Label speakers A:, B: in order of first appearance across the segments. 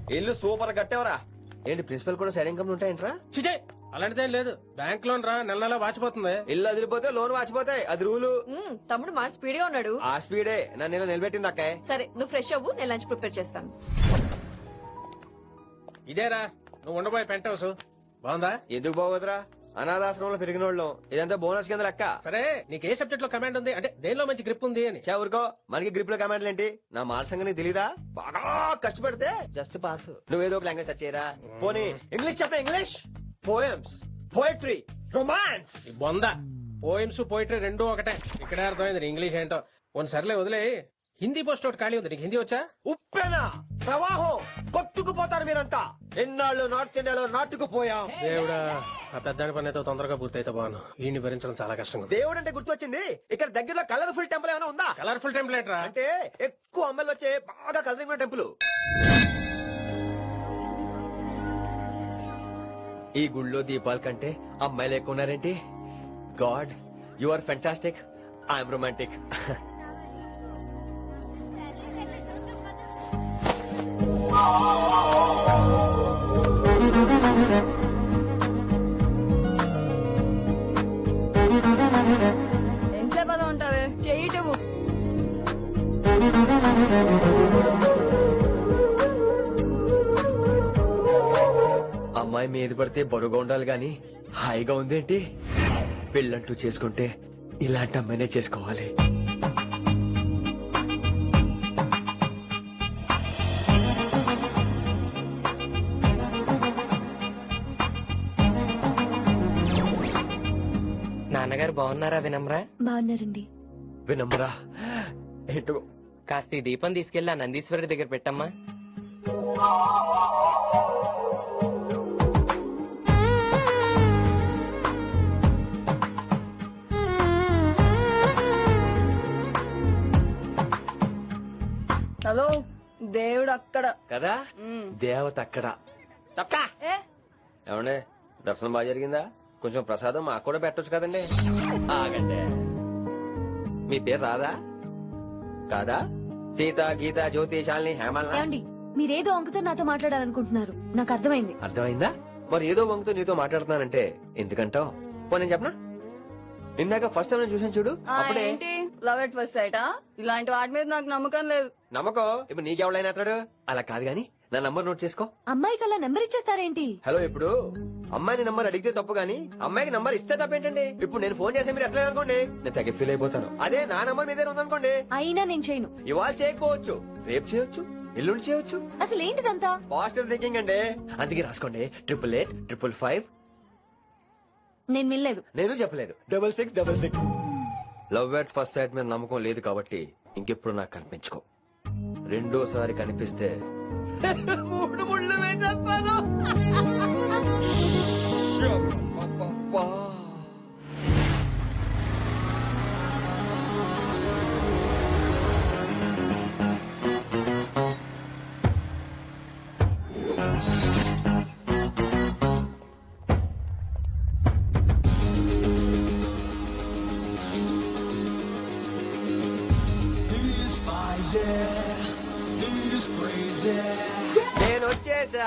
A: ఇల్లు సూపర్ కట్టేవరా. ఏంటి ప్రిన్సిపల్ కూడా సైడ్ ఇన్కమ్ ఉంటాయంట్రా?
B: చిచే అలాంటిదేం లేదు. బ్యాంక్ లోన్ రా నెల నెలా వాచిపోతుంది.
A: ఇల్లు అదిరిపోతే లోన్ వాచిపోతాయి, అది రూలు.
C: తమ్ముడు మాట స్పీడ్ గా ఉన్నాడు.
A: ఆ స్పీడే నన్ను ఇలా నిలబెట్టింది అక్కాయ్.
C: సరే నువ్వు ఫ్రెష్ అవ్వు, నేను లంచ్ ప్రిపేర్ చేస్తాను.
B: ఇదేరా నువ్వు ఉండబోయే పెంట్ హౌస్. బాగుందా?
A: ఎందుకు బాగోదురా, అనాథాశ్రమంలో పెరిగిన వాళ్ళం. ఇదంతా బోనస్ కింద లెక్క.
B: సరే నీకు ఏ సబ్జెక్ట్ లో కమాండ్ ఉంది, అంటే దేనిలో మంచి గ్రిప్ ఉంది అని.
A: చా ఊరుకో, మనకి గ్రిప్ లో కమాండ్లు ఏంటి? నా మాట సంగతి తెలీదా? బాగా కష్టపడితే జస్ట్ పాస్. నువ్వేదో ఒక లాంగ్వేజ్ సెర్చ్ చేయరా. పోనీ ఇంగ్లీష్ చెప్పే, ఇంగ్లీష్ పోయమ్స్, పోయట్రీ, రొమాన్స్.
B: ఈ బొంద పోయిమ్స్ పోయిటరీ రెండూ ఒకటే. ఇక్కడే అర్థమైంది నీ ఇంగ్లీష్ ఏంటో. కొన్ని సర్లే వదిలే. హిందీ పోస్ట్ ఒకటి ఖాళీ ఉంది, నీకు హిందీ వచ్చా?
A: ఉప్పెనా ప్రవాహం కొట్టుకుపోతారు మీరంతా. ఎన్నాళ్ళు నార్త్ ఇండియాలో నాటుకుపోయాం.
B: దేవుడా, ఆ పెద్దాడి పని అయితే తొందరగా పూర్తయితే బాను. వీడిని భరించడం చాలా కష్టంగా ఉంది.
A: దేవుడు అంటే గుర్తొచ్చింది, ఇక్కడ దగ్గరలో కలర్ఫుల్ టెంపుల్ ఏమైనా ఉందా?
B: కలర్ఫుల్ టెంప్లెట్ రా.
A: అంటే ఎక్కువ అమ్మాయిలు వచ్చే బాగా కలరింగ్ ఉన్న టెంపుల్. ఈ గుళ్ళో దీపాల కంటే అమ్మాయిలు ఎక్కువ ఉన్నారేంటి? God, you are fantastic, I'm romantic.
C: ఎంతసేపు అలా ఉంటావే, చెయ్యటవు.
A: అమ్మాయి మీద పడితే బరువుగా ఉండాలి గాని హాయిగా ఉందేంటి? పెళ్ళంటూ చేసుకుంటే ఇలాంటి అమ్మాయినే చేసుకోవాలి.
D: నాన్నగారు బాగున్నారా వినమ్రా?
E: బాగున్నారండి.
A: వినమ్రా ఏంటో.
D: కాస్త ఈ దీపం తీసుకెళ్లి ఆ నందీశ్వరుడి దగ్గర పెట్టమ్మా.
C: హలో, దేవుడు అక్కడ
A: కదా, దేవత అక్కడ. తప్పా
C: ఏ
A: ఏమండే, దర్శనం బాగా జరిగిందా? కొంచెం ప్రసాదం మాకు కూడా పెట్టొచ్చు కదండి. ఆగండి, మీ పేరు రాదా? కాదా? సీత, గీత, జ్యోతి, శాలిని, హేమల్.
E: ఏమండి, మీరేదో అంకుతో నాతో మాట్లాడాలనుకుంటున్నారు, నాకు అర్థమైంది.
A: అర్థమైందా? మరి ఏదో వంగుతో నీతో మాట్లాడుతున్నానంటే ఎందుకంటావు? పో నేను చెప్పనా? ఇందాక ఫస్ట్ టైం నేను చూసాను చూడు, అప్పుడే.
C: ఏంటి లవ్ ఎట్ ఫస్ట్ సైటా? ఇలాంటి వాటి మీద నాకు నమ్మకం లేదు.
A: నమ్మకం ఇప్పుడు నీకెవడైనా అతడు? అలా కాదు గాని నా నంబర్ నోట్ చేసుకో.
E: అమ్మాయికి అలా నెంబర్ ఇచ్చేస్తారేంటి?
A: హలో, ఇప్పుడు అమ్మాయిని నంబర్ అడిగితే తప్పు గానీ అమ్మాయికి నంబర్ ఇస్తే తప్పేంటండి? ఇప్పుడు నేను ఫోన్ చేస్తే మీరు ఎట్లా అనుకోండి, నేను తెగ ఫీల్ అయిపోతాను. అదే నా నంబర్ మీ దగ్గర ఉందనుకోండి,
E: అయినా నేను చేయను.
A: ఇవాళ చేయకపోవచ్చు, రేపు చేయొచ్చు, ఎల్లుండి చేయొచ్చు.
E: అసలు ఏంటిదంతా?
A: పాజిటివ్ థింకింగ్ అండి. అందుకే రాసుకోండి 888
E: నేను వినలేదు.
A: నేను చెప్పలేదు 6666. లవ్ ఎట్ ఫస్ట్ సైట్ మీద నమ్మకం లేదు కాబట్టి ఇంకెప్పుడు నాకు కనిపించుకో. రెండోసారి కనిపిస్తే 3 ముళ్ళు వేసేస్తాను. అబ్బబ్బా. నేను వచ్చేసా.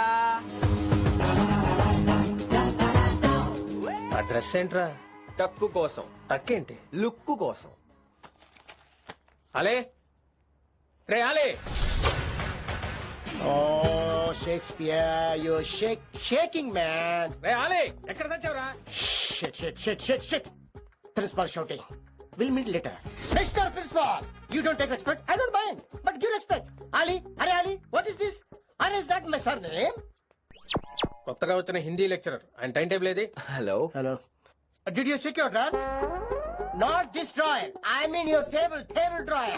B: ఆ డ్రెస్ ఏంట్రా?
A: టక్కు కోసం,
B: తక్కేంటి?
A: లుక్కు కోసం.
B: అలే రే అలే.
F: Oh, Shakespeare, you're shaking, man.
B: రే అలే, ఎక్కడ సచ్చావురా?
F: Shit. Principal shouting. We'll meet later. Mr. Principal, you don't take respect. I don't mind, but give respect. Ali, what is this? Ali, is that my surname?
B: కొత్తగా వచ్చిన Hindi lecturer, ఆయన time table ఏది?
A: Hello.
F: Did you check your drawer? Not this drawer. I mean your table drawer.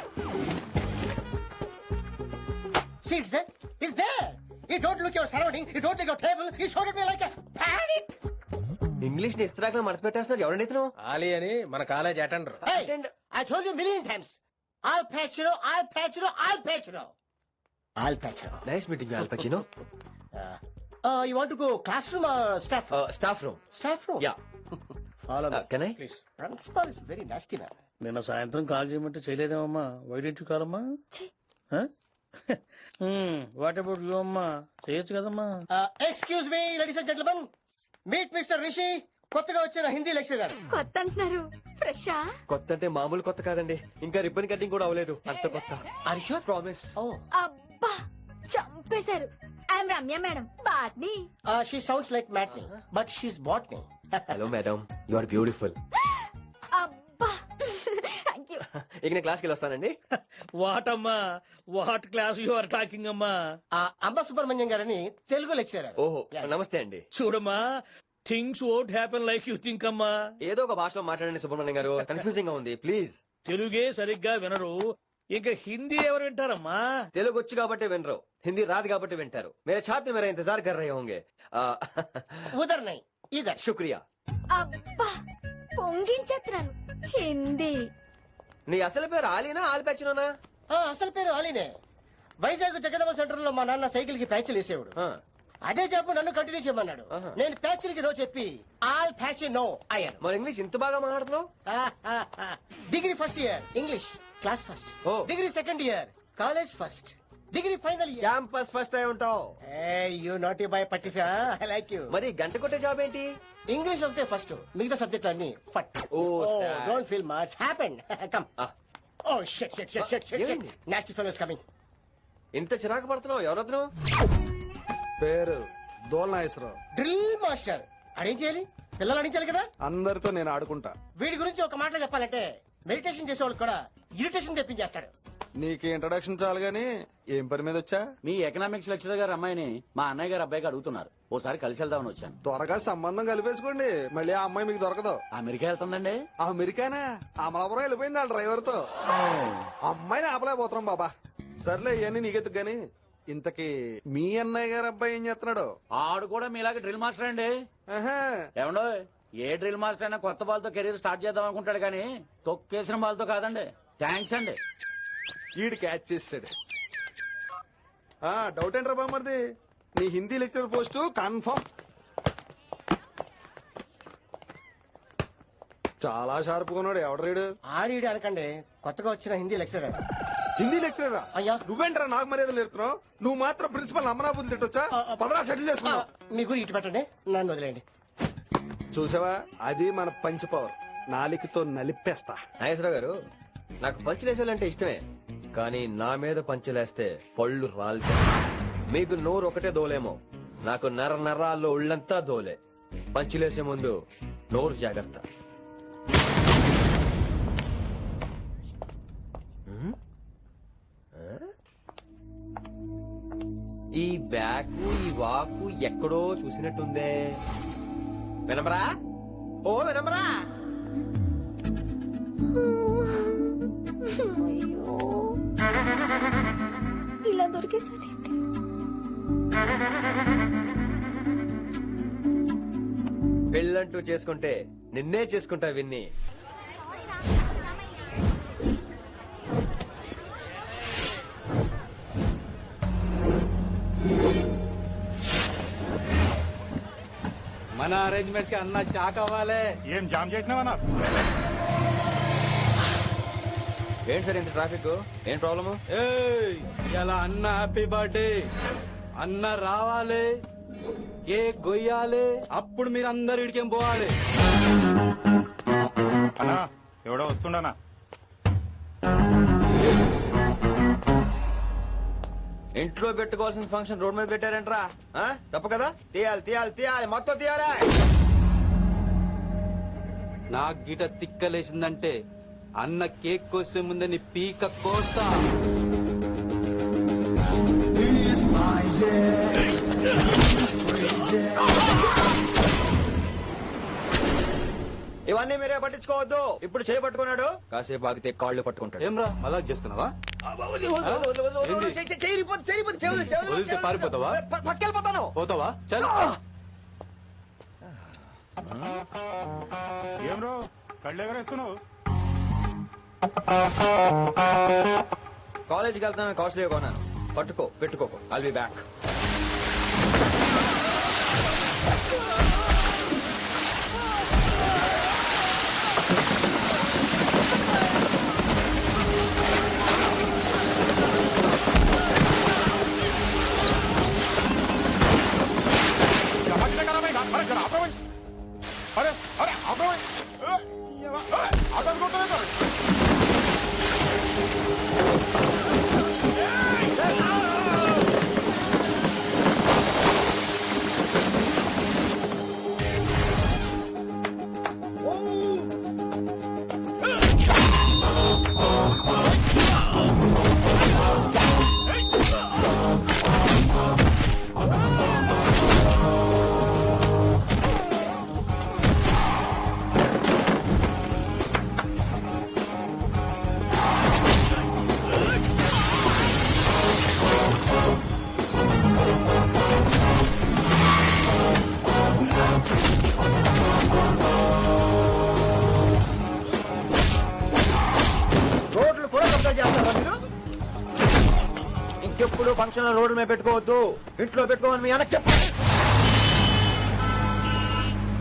F: See, it's there. You don't look your surrounding. You don't look your table. You showed at me like a panic.
A: English ని ఇస్త్రాక్ మడత పెట్టేస్తున్నాడు. ఎవరండి ఇతను?
B: ఆలీ అని మన college attender.
F: Hey, I told you a million times. I'll patch you.
A: Nice meeting Al Pacino.
F: You want to go classroom or staff room?
A: Staff room.
F: Staff room?
A: Yeah.
F: Follow me.
A: Can I?
B: Please.
F: Principal is very nasty man.
G: నిన్న సాయంత్రం call చేయమంటే చేయలేదేమమ్మా? Why didn't you call అమ్మా? What about you అమ్మా చేయొచ్చు కదమ్మా.
F: Excuse me ladies and gentlemen, meet mister Rishi, కొత్తగా వచ్చిన హిందీ లెక్చరర్.
E: కొత్త అంటున్నారు, ఫ్రెషా?
A: కొత్త అంటే మామూలు కొత్త కాదండి, ఇంకా రిబ్బన్ కటింగ్ కూడా అవ్వలేదు, అంత కొత్త.
F: Are you sure?
A: ప్రామిస్.
E: అబ్బా చంపేశారు. I'm Ramya madam, botany.
F: She sounds like matinee but she's botany.
A: Hello madam, you are beautiful.
E: అబ్బా థ్యాంక్ యూ.
A: ఇక నేను క్లాస్కి వెళ్ళి వస్తానండి.
G: వాట్ అమ్మా, what class you are talking అమ్మా.
F: అంబ సుబ్రహ్మణ్యం గారని తెలుగు లెక్చరర్.
A: ఓహో నమస్తే అండి.
G: చూడమ్మా, things won't happen like you think అమ్మా.
A: ఏదో ఒక భాషలో మాట్లాడండి సుబ్రహ్మణ్యం గారు, కన్ఫ్యూజింగ్ గా ఉంది ప్లీజ్.
G: తెలుగే సరిగ్గా వినరు, ఇంకా హిందీ ఎవరు వింటారమ్మా.
A: తెలుగు వచ్చు కాబట్టి వినరు, హిందీ రాదు కాబట్టి వింటారు. మేరే ఛాత్ర మేరా ఇంతజార్ కర్ రహే హోంగే.
F: ఉదర్ నై ఇదర్.
A: శుక్రియా.
E: అబ్బా పొంగించేస్తున్నాను. హిందీ.
A: నీ అసలు పేరు ఆలీనా ఆల్పచ్చినోనా?
F: అసలు పేరు అలీనే. వైజాగ్ జగదమ్మ సెంటర్ లో మా నాన్న సైకిల్ కి ప్యాచ్లు వేసేవాడు. అదే జాబ్ నన్ను కంటిన్యూ చేయమన్నాడు. నేను ప్యాచ్లకి నో చెప్పి ఆల్ ప్యాచ్ నో అయ్యాను.
A: మరి ఇంగ్లీష్ ఇంత బాగా మాట్లాడుతున్నావు?
F: Degree first year English class first.
A: Oh.
F: Degree second year college first. Degree final year
A: campus first అయి ఉంటావు.
F: యూ నాటీ బాయ్ పట్టిసా. I like you.
A: మరి గంట కొట్టే జాబ్ ఏంటి?
F: ఇంగ్లీష్ ఒకటే ఫస్ట్, మిగతా సబ్జెక్ట్ అన్ని ఫట్.
A: sad.
F: Don't feel much happened. Come. Oh shit shit shit shit shit.
A: ఏమైంది?
F: Nasty fellows coming.
A: ఇంత చిరాకు పడుతున్నావు, ఎవరొద్దు?
H: పేరు దోల్నాగేశ్వరరావు.
F: Drill master. అడేం చేయాలి? పిల్లలు అడించాలి కదా.
H: అందరితో నేను ఆడుకుంటా.
F: వీడి గురించి ఒక మాటలో చెప్పాలంటే మెడిటేషన్ చేసేవాళ్ళు కూడా ఇరిటేషన్ తెప్పించేస్తాడు.
H: నీకు ఇంట్రడక్షన్ చాలు గానీ ఏం పని మీద వచ్చా?
I: మీ ఎకనామిక్స్ లెక్చరర్ గారు అమ్మాయిని మా అన్నయ్య గారు అబ్బాయికి అడుగుతున్నారు, ఓసారి కలిసి వెళ్దామని వచ్చాను.
H: త్వరగా సంబంధం కలిపేసుకోండి, మళ్ళీ ఆ అమ్మాయి మీకు దొరకదు.
I: అమెరికా వెళ్తుందండి.
H: అమెరికానా? అమలాపురం వెళ్ళిపోయింది ఆ డ్రైవర్ తో. అమ్మాయిని ఆపలేకపోతున్నాం బాబా. సర్లే ఇవన్నీ నీకెత్తుకు గాని, ఇంతకీ మీ అన్నయ్య గారు అబ్బాయి ఏం చేస్తున్నాడు?
I: ఆడు కూడా మీలాగే డ్రిల్ మాస్టర్ అండి.
H: ఆహా.
I: ఏమండో, ఏ డ్రిల్ మాస్టర్ అయినా కొత్త బాల్తో కెరీర్ స్టార్ట్ చేద్దాం అనుకుంటాడు కానీ తొక్కేసిన బాల్తో కాదండి. థ్యాంక్స్ అండి.
H: ఈడు క్యాచ్ చేసాడు. డౌట్ ఏంట్రా బామ్మర్ది, నీ హిందీ లెక్చర్ పోస్ట్ కన్ఫర్మ్. చాలా షార్ప్ కొన్నాడు. ఎవడరీడు?
F: ఆడీడు అనకండి, కొత్తగా వచ్చిన హిందీ లెక్చరర్.
H: హిందీ లెక్చరరా?
F: అయ్యా.
H: నువ్వేంట్రా నాకు మర్యాద నేర్పుతున్నావు? నువ్వు మాత్రం ప్రిన్సిపల్ అమ్మనాబుద్ధి తిట్టొచ్చా? పదరా సెటిల్ చేసుకున్నావు.
F: మీ గురి ఇటు పెట్టండి, నన్ను వదిలేండి.
H: చూసావా, అది మన పంచ్ పవర్. నాలికతో నలిపేస్తా.
A: నాగేశ్వరరావు గారు, నాకు పంచులేసాలంటే ఇష్టమే, కానీ నా మీద పంచులేస్తే పళ్ళు రాలితే. మీకు నోరు ఒకటే దోలేమో, నాకు నర నరాల్లో ఉళ్ళంతా దోలే. పంచులేసే ముందు నోరు జాగ్రత్త. ఈ బ్యాకు ఈ వాకు ఎక్కడో చూసినట్టుందే. వినమరా? ఓ వినమరా?
E: ఇలా దొరికేసానేంటి?
A: పెళ్ళంటూ చేసుకుంటే నిన్నే చేసుకుంటా విన్ని.
I: మన అరేంజ్మెంట్స్ కి అన్న షాక్ అవ్వాలి.
J: ఏం జామ్ చేసినావా?
A: ఏంటి సార్ ఇంత ట్రాఫిక్? ఏం ప్రాబ్లము?
I: ఇలా అన్న హ్యాపీ బర్త్డే, అన్న రావాలి, కేక్ గొయ్యాలి, అప్పుడు మీరు అందరు ఇడికేం పోవాలి.
J: అన్నా ఎవడో వస్తుండనా?
A: ఇంట్లో పెట్టుకోవాల్సిన ఫంక్షన్ రోడ్ మీద పెట్టారంట్రా. తప్పు కదా? తీయాలి తీయాలి తీయాలి, మొత్తం తీయాలి.
I: నాకు గిట తిక్కలేసిందంటే అన్న కేక్ కోసే ముందే నీ పీక కోస్తా.
A: ఇవన్నీ మీరే పట్టించుకోవద్దు. ఇప్పుడు చేయి పట్టుకున్నాడు, కాసేపు ఆగితే కాళ్ళు పట్టుకుంటాడు.
I: ఏమ్రా మజాక్ చేస్తున్నావా? వదిలితే పారిపోతావా?
A: పక్కెళ్ళిపోతాను.
I: పోతావా? చల్.
J: ఏం రో కళ్ళు ఎగరేస్తున్నావు?
A: కాలేజీకి వెళ్తాను, కాస్ట్లీ కొన్నాను. పట్టుకో, పెట్టుకోకు. I'll be back. ఇంకెప్పుడు ఫంక్షన్ రోడ్డు మీద పెట్టుకోవద్దు. ఇంట్లో పెట్టుకోమని మీ అన్నకి చెప్పు.